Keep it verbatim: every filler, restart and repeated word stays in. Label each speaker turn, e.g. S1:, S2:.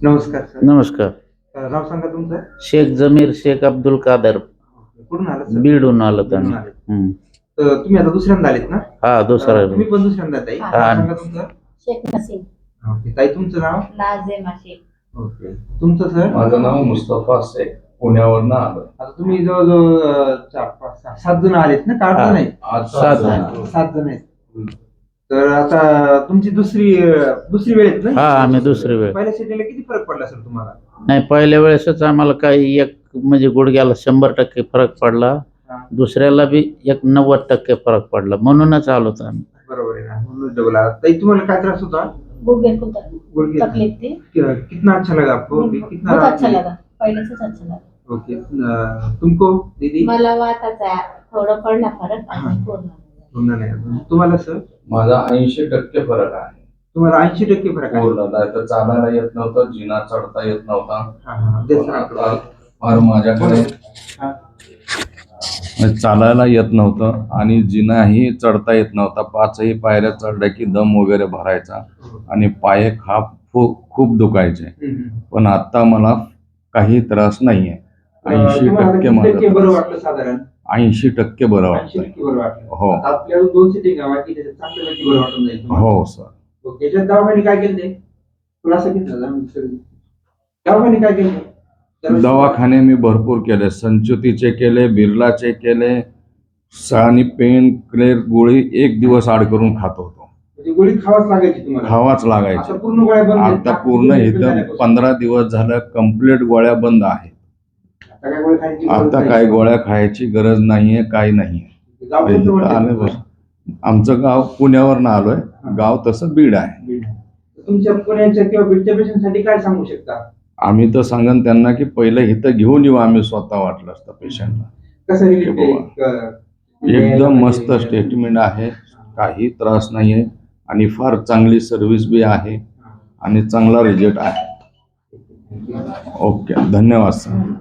S1: नमस्कार सर.
S2: नमस्कार.
S1: अ, नाव सांगा तुमचं.
S2: शेख जमीर शेख अब्दुल कादर.
S1: कुठून आलात सर?
S2: बीडहून आलो आम्ही.
S1: बीडहून आलेत.
S2: हम्म.
S1: तर तुम्ही आता दुसऱ्यांदा आलेत ना?
S2: हा दुसरा
S1: अ, तुम्ही पण दुसऱ्यांदा ताई.
S2: हा.
S1: नाव सांगा तुमचं.
S3: शेख नसीम.
S1: ओके ताई, तुमचं नाव?
S3: नाझिमा शेख.
S1: ओके, तुमचं सर?
S4: माझं नाव मुस्तफा शेख, पुण्यावरनं आलो.
S1: आता तुम्ही जवळजवळ अ, चार पाच सहा सात जण आलेत ना? का आठ जण आहेत?
S4: आज
S2: सात
S4: जण
S2: जण.
S4: आलो.
S1: सात जण आहेत. तर आता तुमची दुसरी अ, दुसरी वेळ आहेत ना?
S2: हा आम्ही दुसरी वेळ.
S1: पहिल्या सिटीला किती फरक पडला सर तुम्हाला?
S2: नाही, पहिल्या वेळेसच आम्हाला काही एक म्हणजे गुडघ्याला शंभर टक्के फरक पडला.
S1: हा.
S2: दुसऱ्याला बी एक नव्वद टक्के फरक पडला, म्हणूनच आलो होतो आम्ही.
S1: बरोबर आहे ना, म्हणून डबल आला. ताई तुम्हाला काय त्रास होता?
S3: गुडघे को
S1: गुडघे.
S3: तकलीफ थी।
S1: कि- कितना अच्छा लगा आपको? कितना
S3: बहुत
S1: राहत
S3: अच्छा
S1: नाही?
S3: लगा, पहले से अच्छा लगा।
S1: ओके. अ, तुमको दीदी?
S3: मला वाटायचा थोडं पडला फरक
S1: हा.
S3: आणि पूर्ण
S1: पूर्ण नाही अजून. तुम्हाला सर?
S4: माझा ऐंशी टक्के फरक आहे.
S1: तुम्हाला ऐंशी टक्के फरक आहे?
S4: पूर्ण नाही तर चालायला येत नव्हतं, जिना चढता येत नव्हता.
S1: हा, हा. दे सर
S4: आता
S1: आपलं.
S4: फार माझ्याकडे
S1: हा.
S4: चालायला येत नव्हतं आणि जिनाही चढता येत नव्हता. पाचही पायऱ्या चढल्या की दम वगैरे भरायचा आणि पाय खाप खूप खूप दुखायचे.
S1: हम्म.
S4: पण आता मला काही त्रास नाहीये. ऐंशी
S1: तुम्हाला
S4: टक्के
S1: किती टक्के बरं
S4: माझा
S1: वाटलं साधारण?
S4: ऐंशी टक्के बरं
S1: ऐंशी
S4: वाटतंय.
S1: टक्के बरं वाटलं.
S4: हो.
S1: आता आपल्याला दोन सिटिंग आहे की त्याच्यात चांगल्यापैकी बरं वाटून जाईल तुम्हाला.
S4: हो सर.
S1: ओके. याच्यात दवाखाने काय केले ते? खुलासा घेतला जा मग सर. दवाखाने काय केले?
S4: दवाखाने मी भरपूर केले. संचुतीचे केले, बिर्लाचे केले आणि पेन क्लेर गोळी एक दिवस आड करून खात होतो.
S1: म्हणजे गोळी खावाच लागायची तुम्हाला?
S4: खावाच
S1: आता
S4: लागायची.
S1: पूर्ण गोळ्या बंद आहेत?
S4: आता पूर्ण इथं पंधरा दिवस झालं कंप्लीट गोळ्या बंद आहेत.
S1: आता काय गोळ्या खायची गरज
S4: आता
S1: नाही?
S4: काय गोळ्या खायची गरज नाहीये, काही नाहीये.
S1: गाव कोणतं
S4: इथं
S1: म्हणते
S4: आले
S1: तुमचं?
S4: बस. आमचं गाव पुण्यावरनं आलोय. गाव तसं बीड आहे.
S1: बीड. तुमच्या पुण्याच्या किंवा बीडच्या पेशंटसाठी काय सांगू शकता?
S4: आम्ही तर सांगन त्यांना की पहिलं इथं घेऊन येऊ आम्ही स्वतः वाटलं असतं पेशंटला.
S1: कसं
S4: हे
S1: रिलीफ
S4: बाबा.
S1: आहे?
S4: एकदम मस्त स्टेटमेंट आहे, काही त्रास नाहीये आणि फार चांगली सर्व्हिस बी आहे आणि चांगला रिझल्ट आहे. ओके, धन्यवाद सर.